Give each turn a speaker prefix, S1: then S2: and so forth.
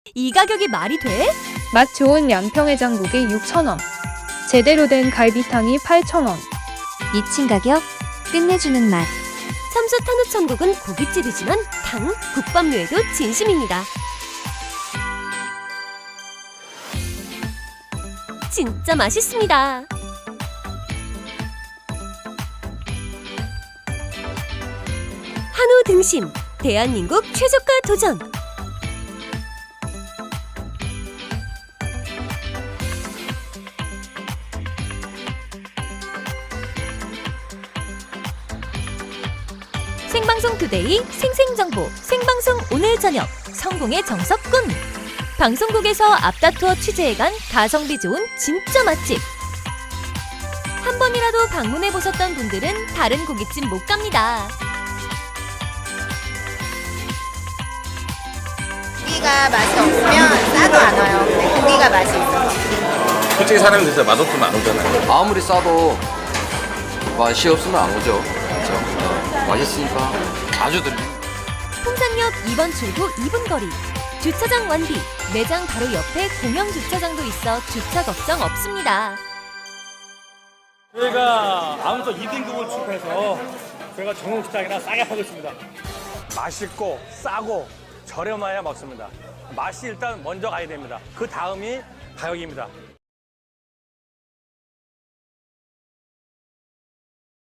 S1: 이 가격이 말이 돼?
S2: 맛 좋은 양평해장국이 6,000원. 제대로 된 갈비탕이 8,000원.
S3: 미친 가격, 끝내주는 맛.
S1: 삼수 탄우천국은 고깃집이지만 당, 국밥류에도 진심입니다. 진짜 맛있습니다. 한우 등심, 대한민국 최저가 도전. 생방송 투데이 생생정보 생방송 오늘 저녁 성공의 정석군. 방송국에서 앞다투어 취재해간 가성비 좋은 진짜 맛집. 한 번이라도 방문해보셨던 분들은 다른 고깃집 못 갑니다.
S4: 고기가 맛이 없으면 싸도 안 와요. 근데 고기가 맛이 있어서.
S5: 솔직히 사람이 진짜 맛없으면 안 오잖아요.
S6: 아무리 싸도 맛이 없으면 안 오죠. 그렇죠? 맛있으니까 자주 들리.
S1: 풍산역 2번 출구 2분 거리. 주차장 완비. 매장 바로 옆에 공영 주차장도 있어 주차 걱정 없습니다.
S7: 저희가 아무튼 2등급을 취급해서 저희가 정육식당이나 싸게 팔고 있습니다. 맛있고 싸고 저렴해야 먹습니다. 맛이 일단 먼저 가야 됩니다. 그 다음이 가격입니다.